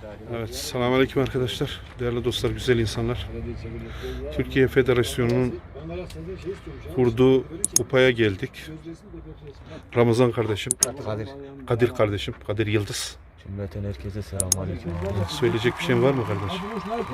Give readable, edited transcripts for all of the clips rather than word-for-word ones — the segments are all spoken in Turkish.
Evet, selamünaleyküm arkadaşlar. Değerli dostlar, güzel insanlar. Türkiye Federasyonu'nun kurduğu kupaya geldik. Ramazan kardeşim, Kadir kardeşim, Kadir Yıldız. Cümleten herkese selamünaleyküm. Söyleyecek bir şeyin var mı kardeşim?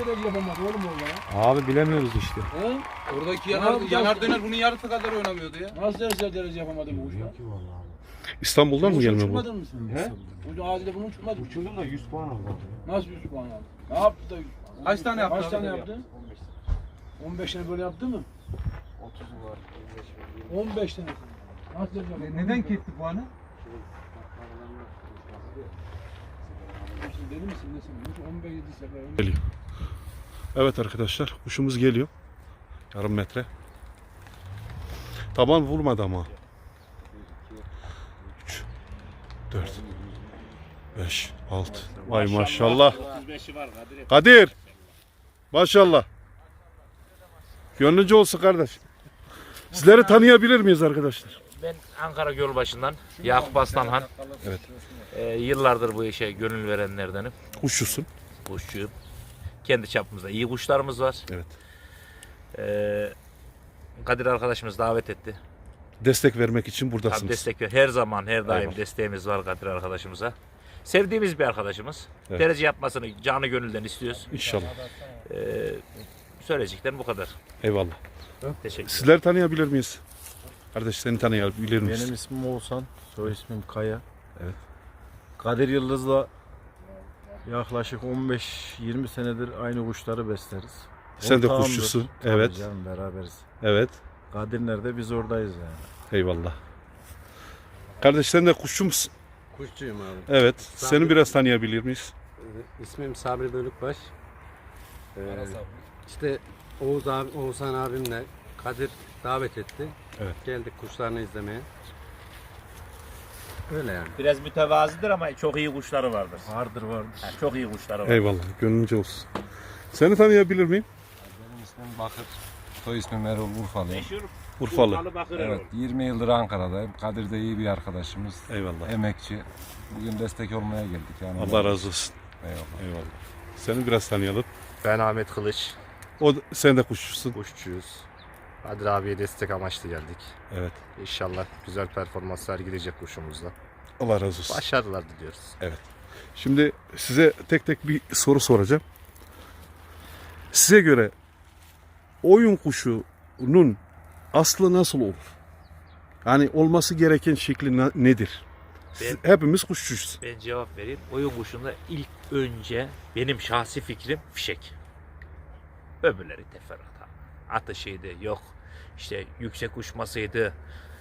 Abi bilemiyoruz işte. Oradaki yanar döner bunun yarısı kadar oynamıyordu ya. Nasıl derece yapamadı bu kuşla? İstanbul'dan mı gelme bu? Uçurmadın mı sen? He? Bu adile bunu uçurmadın. Uçurdum da 100 puan aldım. Nasıl 100 puan aldı? Ne yaptı da 100 puan? Kaç tane yaptı? Kaç tane yaptı? 15 tane böyle yaptı mı? 15 tane. Nasıl derece yapamadı? Neden ketti puanı? Deli misin nesin? 15 sefer. Geliyor. Evet arkadaşlar, kuşumuz geliyor. Yarım metre. Taban vurmadı ama. 3, 4, 5, 6. Vay maşallah. Kadir. Maşallah. Gönlünce olsun kardeş. Sizleri tanıyabilir miyiz arkadaşlar? Ben Ankara Gölbaşı'ndan Yakup Aslanhan. Evet. Yıllardır bu işe gönül verenlerdenim. Kuşçusun. Kuşçuyum. Kendi çapımızda iyi kuşlarımız var. Evet. Kadir arkadaşımız davet etti. Destek vermek için buradasınız. Tabii destek ver. Her zaman her daim Eyvallah. desteğimiz var Kadir arkadaşımıza. Sevdiğimiz bir arkadaşımız. Evet. Derece yapmasını canı gönülden istiyoruz. İnşallah. Söyleyeceklerim bu kadar. Eyvallah. Teşekkür ederim. Sizleri tanıyabilir miyiz? Kardeş seni tanıyabilir miyiz? Benim ismim Oğuzhan, soy ismim Kaya. Evet. Kadir Yıldız'la yaklaşık 15-20 senedir aynı kuşları besleriz. Sen de Ortağımdır. kuşçusun. Tabii Evet. canım, beraberiz. Evet. Kadir nerede biz oradayız yani. Eyvallah. Kardeş sen de kuşçu musun? Kuşçuyum abi. Evet. Seni biraz tanıyabilir miyiz? İsmim Sabri Bölükbaş. İşte Oğuzhan abimle Kadir davet etti. Evet. Geldik kuşlarını izlemeye. Öyle yani. Biraz mütevazidir ama çok iyi kuşları vardır. Vardır. Çok iyi kuşları var. Eyvallah. Gönlünce olsun. Seni tanıyabilir miyim? Benim ismim Bakır. Soy ismim Erol Urfalıyım. Meşhur Urfalı. Bakır Evet, 20 yıldır Ankara'dayım. Kadir de iyi bir arkadaşımız. Eyvallah. Emekçi. Bugün destek olmaya geldik. Yani Allah razı olsun. Eyvallah. Eyvallah. Seni biraz tanıyalım. Ben Ahmet Kılıç, Sen de kuşçusun. kuşçuyuz. Kadir abiye destek amaçlı geldik. Evet. İnşallah güzel performans sergileyecek kuşumuzla. Allah razı olsun. Başarılar diliyoruz. Şimdi size tek tek bir soru soracağım. Size göre oyun kuşunun aslı nasıl olur? Yani olması gereken şekli nedir? Hepimiz kuşçuyuz. Ben cevap vereyim. Oyun kuşunda ilk önce benim şahsi fikrim fişek. Öbürleri teferruat. Atışıydı, yok işte yüksek uçmasıydı.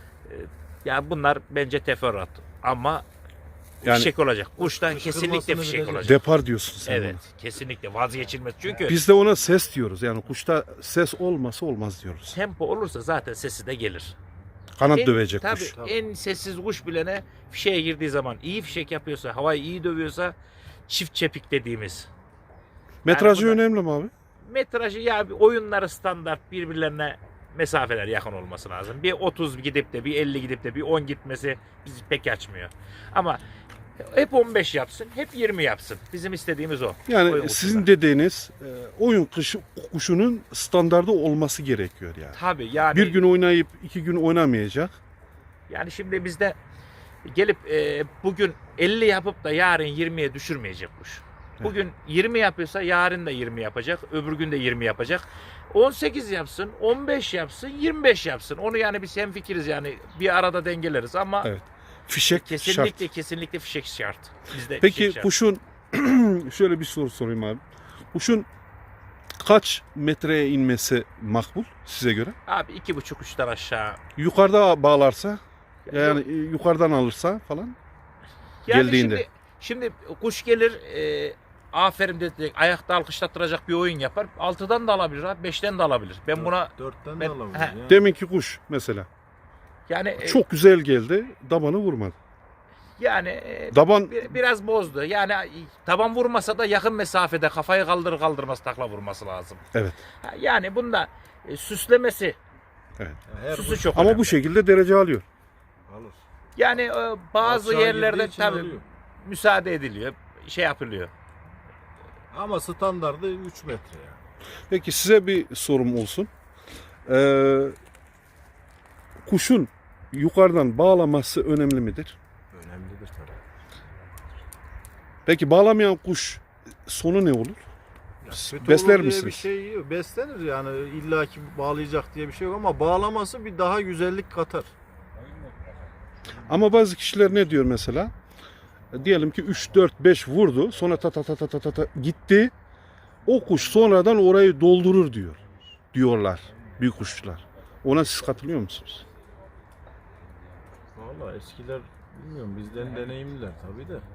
Yani bunlar bence teferruat. Ama Yani- fişek olacak. Kuştan kesinlikle fişek olacak. Depar diyorsun sen Evet, ona. kesinlikle vazgeçilmez. Çünkü Biz de ona ses diyoruz. Yani kuşta ses olmasa olmaz diyoruz. tempo olursa zaten sesi de gelir. Kanat dövecek Tabii kuş. en sessiz kuş bilene fişeğe girdiği zaman iyi fişek yapıyorsa, havayı iyi dövüyorsa çift çepik dediğimiz. Metrajı Yani bu da- önemli mi abi? Metrajı ya bir oyunları standart birbirlerine mesafeler yakın olması lazım. Bir 30 gidip de bir 50 gidip de bir 10 gitmesi bizi pek açmıyor. Ama hep 15 yapsın, hep 20 yapsın. Bizim istediğimiz o. Yani Oyun sizin kuşunda. dediğiniz oyun kuşunun standardı olması gerekiyor yani. Tabii yani Bir gün oynayıp 2 gün oynamayacak. yani şimdi bizde gelip bugün 50 yapıp da yarın 20'ye düşürmeyecek kuş. Bugün 20 yapıyorsa yarın da 20 yapacak, öbür gün de 20 yapacak. 18 yapsın, 15 yapsın, 25 yapsın. Onu yani biz hemfikiriz yani bir arada dengeleriz ama Evet. Fişek kesinlikle şart. kesinlikle fişek şart. Bizde Peki fişek şart. kuşun şöyle bir soru sorayım abi. Kuşun kaç metreye inmesi makbul size göre? Abi 2,5 uçtan aşağı. Yukarıda bağlarsa yani yukarıdan alırsa falan Yani geldiğinde. Şimdi kuş gelir aferin dedi ayakta alkışlattıracak bir oyun yapar. 6'dan da alabilir abi, 5'ten de alabilir. Ben buna 4'ten Ben- de alabiliriz He. ya. Deminki kuş mesela yani çok güzel geldi, dabanı vurmadı. yani Daban biraz bozdu. Yani taban vurmasa da yakın mesafede kafayı kaldırır kaldırmaz takla vurması lazım. Evet. Yani bunda süslemesi, Her süsü kuş çok ama önemli. bu şekilde derece alıyor. alır. Yani bazı Aşağı yerlerde girdiği için tabii alıyor. müsaade ediliyor, şey yapılıyor. Ama standardı 3 metre yani. Peki size bir sorum olsun. Kuşun yukarıdan bağlaması önemli midir? Önemlidir tabii. Peki bağlamayan kuş sonu ne olur? Kötü Besler olur diye misiniz? bir şey yok. Beslenir yani illaki bağlayacak diye bir şey yok ama bağlaması bir daha güzellik katar. Ama bazı kişiler ne diyor mesela? Diyelim ki 3, 4, 5 vurdu. Sonra ta ta ta ta ta ta ta gitti. O kuş sonradan orayı doldurur diyorlar büyük kuşçular. Ona siz katılıyor musunuz? Vallahi eskiler bilmiyorum bizden deneyimliler tabii de.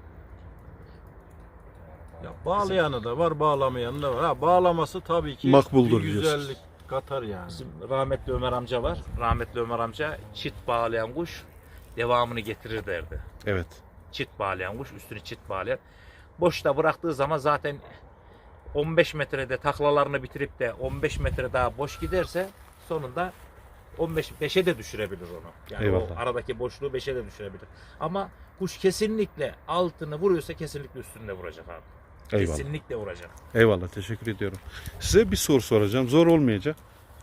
Ya bağlayanı da var, bağlamayanı da var. Ha, bağlaması tabii ki Makbuldür bir diyorsunuz. güzellik katar yani. Bizim rahmetli Ömer amca var. Rahmetli Ömer amca çit bağlayan kuş devamını getirir derdi. Evet. Çit bağlayan kuş, üstünü çit bağlayan. Boşta bıraktığı zaman zaten 15 metrede taklalarını bitirip de 15 metre daha boş giderse sonunda 5'e de düşürebilir onu. Yani Eyvallah. o aradaki boşluğu 5'e de düşürebilir. Ama kuş kesinlikle altını vuruyorsa kesinlikle üstünde vuracak abi. Eyvallah. Kesinlikle vuracak. Eyvallah. Teşekkür ediyorum. Size bir soru soracağım. Zor olmayacak.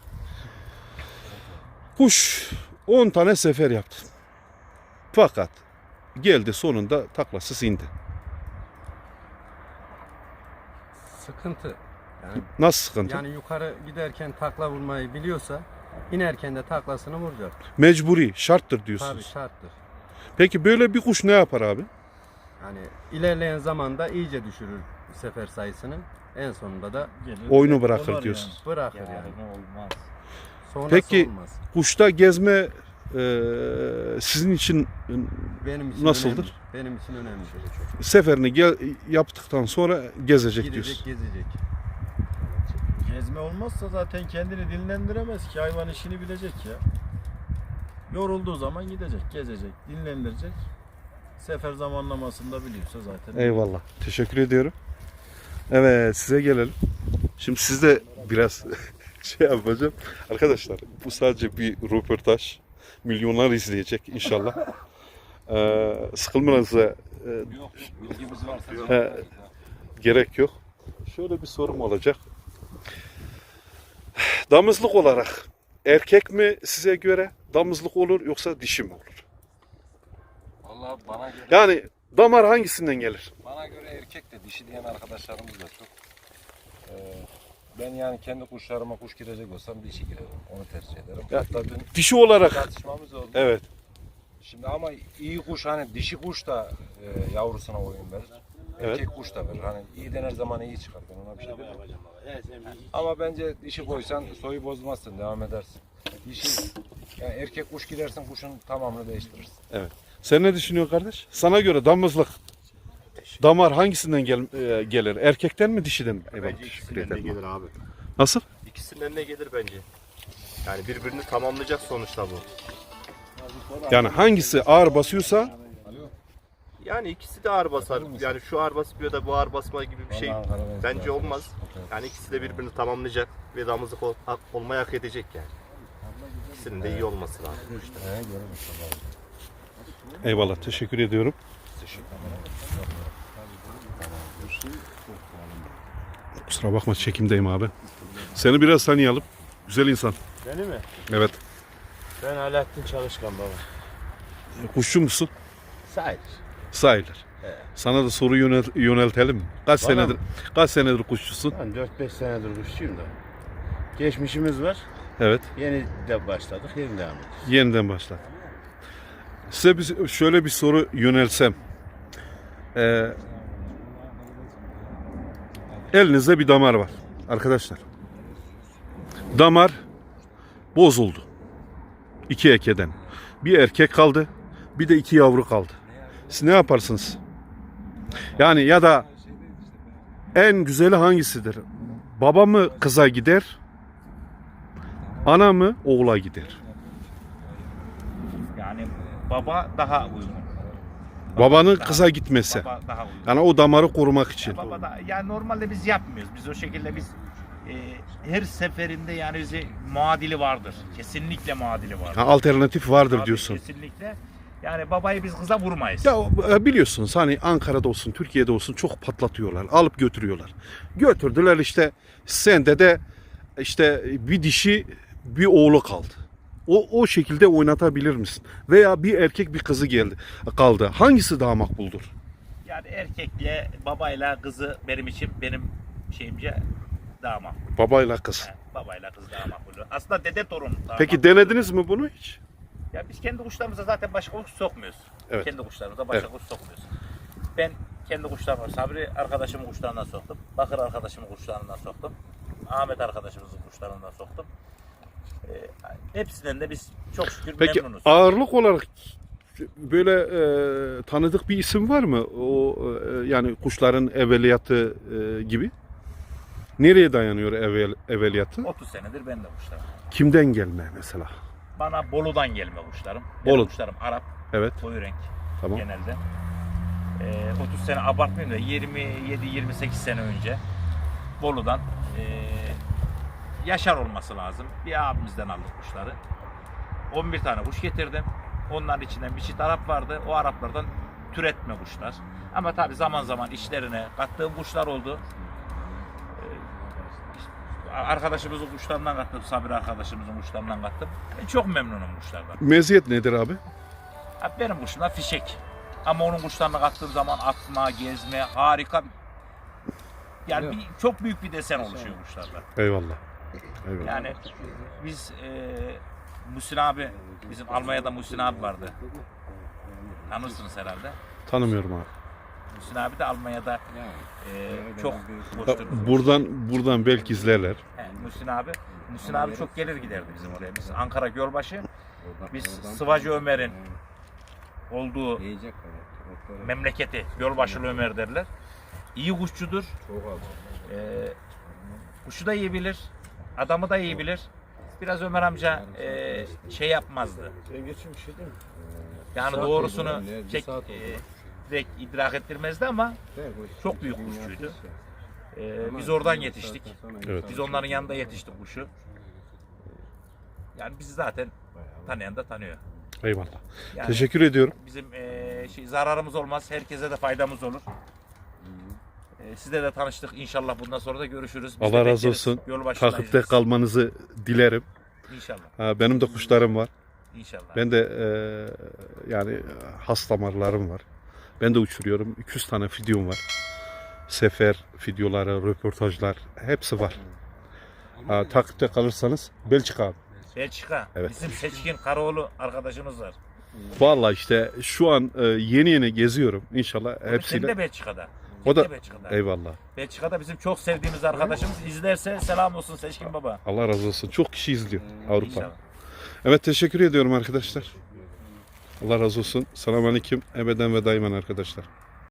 Kuş 10 tane sefer yaptı. Fakat geldi sonunda taklasız indi. Sıkıntı. Yani, Nasıl sıkıntı? yani yukarı giderken takla vurmayı biliyorsa inerken de taklasını vuracak. Mecburi, şarttır Tabii diyorsunuz. şarttır. Peki böyle bir kuş ne yapar abi? Yani ilerleyen zamanda iyice düşürür sefer sayısını. En sonunda da Oyunu bırakır diyorsun. bırakır yani. olmaz. Sonrası Peki, olmaz. Kuşta gezme sizin için Benim için nasıldır? önemli. Benim için önemlidir. Seferini yaptıktan sonra gezecek Gidecek, diyorsun. gezecek. Gezme olmazsa zaten kendini dinlendiremez ki hayvan işini bilecek ya. Yorulduğu zaman gidecek, gezecek, dinlendirecek. Sefer zamanlamasını da biliyorsa zaten. Eyvallah. Teşekkür ediyorum. Evet, size gelelim. Şimdi sizde biraz şey yapacağım. Arkadaşlar bu sadece bir röportaj. Milyonlar izleyecek inşallah. Sıkılmanıza Bilgimiz varsa gerek yok. Şöyle bir sorum olacak. Damızlık olarak erkek mi size göre damızlık olur yoksa dişi mi olur? Vallahi bana göre Yani damar hangisinden gelir? erkek de dişi diyen arkadaşlarımız da çok. Ben yani kendi kuşlarıma kuş girecek olsam dişi girerim. Onu tercih ederim. Ya, Hatta dün Dişi olarak tartışmamız oldu. evet. Şimdi ama iyi kuş hani dişi kuş da yavrusuna oyun verir. Evet. Erkek kuş da verir. Hani iyi dener zaman iyi çıkar. Ben ona bir şey demem. Ama bence dişi koysan soyu bozmazsın. Devam edersin. Dişi yani erkek kuş girersin kuşun tamamını değiştirirsin. Sen ne düşünüyorsun kardeş? Sana göre damızlık damar hangisinden gelir? Erkekten mi dişiden mi? Eyvallah, Bence teşekkür ikisinden de ederim. gelir abi. Nasıl? İkisinden de gelir bence. Yani birbirini tamamlayacak sonuçta bu. Yani hangisi ağır basıyorsa Yani ikisi de ağır basar. Yani şu ağır basmıyor da bu ağır basma gibi bir şey bence olmaz. Yani ikisi de birbirini tamamlayacak ve damızlık olmayı hak edecek yani. İkisinin de iyi olması lazım. eyvallah teşekkür ediyorum. Kusura bakma çekimdeyim abi. Seni biraz tanıyalım. Güzel insan. Beni mi? Evet. Ben Alaaddin Çalışkan baba. Kuşçu musun? Sayılır. Sayılır. Sana da soru yöneltelim mi? Kaç senedir kuşçusun? Ben 4-5 senedir kuşçuyum da. Geçmişimiz var. Evet. Yeni de başladık. Yeni devam ediyoruz. Yeniden başla. Size şöyle bir soru yönelsem. Elinizde bir damar var arkadaşlar. Damar bozuldu. 2 ekeden. Bir erkek kaldı, bir de 2 yavru kaldı. Siz ne yaparsınız? Yani ya da en güzeli hangisidir? Baba mı kıza gider? Ana mı oğula gider? Yani baba daha uygun. Babanın daha- kıza gitmesi. Baba daha uygun. Yani o damarı korumak için. Baba da, yani normalde biz yapmıyoruz. Biz o şekilde her seferinde yani bize muadili vardır. Kesinlikle muadili vardır. Ha, alternatif vardır Tabii, diyorsun. Kesinlikle. Yani babayı biz kıza vurmayız. Ya biliyorsunuz hani Ankara'da olsun, Türkiye'de olsun çok patlatıyorlar. Alıp götürüyorlar. Götürdüler işte sende de işte bir dişi bir oğlu kaldı. O şekilde oynatabilir misin? Veya bir erkek bir kızı kaldı. Hangisi daha makbuldür? Yani erkekle babayla kızı benim şeyimce daha makbul. Babayla kız. Yani babayla kız daha makbul. Aslında dede torun daha Peki makbul. denediniz mi bunu hiç? Ya biz kendi kuşlarımıza zaten başka kuş sokmuyoruz. Evet. Kendi kuşlarımıza başka kuş sokmuyoruz. Ben kendi kuşlarıma Sabri arkadaşımın kuşlarından soktum. Bakır arkadaşımın kuşlarından soktum. Ahmet arkadaşımızın kuşlarından soktum. Hepsinden de biz çok şükür Peki memnunuz. ağırlık olarak böyle tanıdık bir isim var mı? O yani kuşların evveliyatı gibi. Nereye dayanıyor evveliyatı? 30 senedir ben de kuşlarım. Kimden gelme mesela? Bana Bolu'dan gelme kuşlarım. Bolu. Benim kuşlarım Arap, Evet. koyu renk Tamam. genelde. 30 sene abartmayayım da 27-28 sene önce Bolu'dan Yaşar olması lazım. Bir abimizden aldık kuşları. 11 tane kuş getirdim. Onların içinden bir çift Arap vardı. O Araplardan türetme kuşlar. Ama tabii zaman zaman işlerine kattığım kuşlar oldu. Arkadaşımızın kuşlarından kattım. Sabri arkadaşımızın kuşlarından kattım. Ben çok memnunum kuşlardan. Meziyet nedir abi? Abi benim kuşumda fişek. Ama onun kuşlarına kattığım zaman atma, gezme harika. Yani çok büyük bir desen oluşuyor kuşlarda. Eyvallah. Eyvallah. Yani biz Muhsin abi, bizim Almanya'da Muhsin abi vardı. Tanırsınız herhalde. Tanımıyorum abi. Muhsin abi de Almanya'da çok hoştur. Buradan belki izlerler. Muhsin abi çok gelir giderdi bizim oraya. Biz Ankara Gölbaşı, biz Sıvacı Ömer'in olduğu memleketi Gölbaşılı Ömer derler. İyi kuşçudur. Kuşu da iyi bilir. Adamı da iyi bilir. Biraz Ömer amca şey yapmazdı. Yani doğrusunu direkt idrak ettirmezdi ama çok büyük kuşçuydu. Biz oradan yetiştik. Evet. Biz onların yanında yetiştik kuşu. Yani bizi zaten tanıyan da tanıyor. Eyvallah. Yani Teşekkür ediyorum. bizim zararımız olmaz. Herkese de faydamız olur. Sizle de tanıştık. İnşallah bundan sonra da görüşürüz. Biz de Allah razı bekleriz. olsun. Yolu başındayız Takipte biz. kalmanızı dilerim. İnşallah. Benim de kuşlarım var. İnşallah. Ben de yani has damarlarım var. Ben de uçuruyorum. 200 tane videom var. Sefer videoları, röportajlar hepsi var. Takipte kalırsanız Belçika abi. Belçika. Evet. Bizim Seçkin Karaoğlu arkadaşımız var. Vallahi işte şu an yeni geziyorum. İnşallah Senin hepsiyle. de Belçika'da. O da Belçika'da. eyvallah. Belçika'da bizim çok sevdiğimiz arkadaşımız. İzlerse selam olsun Seçkin Baba. Allah razı olsun. Çok kişi izliyor Avrupa. İnşallah. Evet teşekkür ediyorum arkadaşlar. Allah razı olsun. Selamünaleyküm. Ebeden ve daimen arkadaşlar.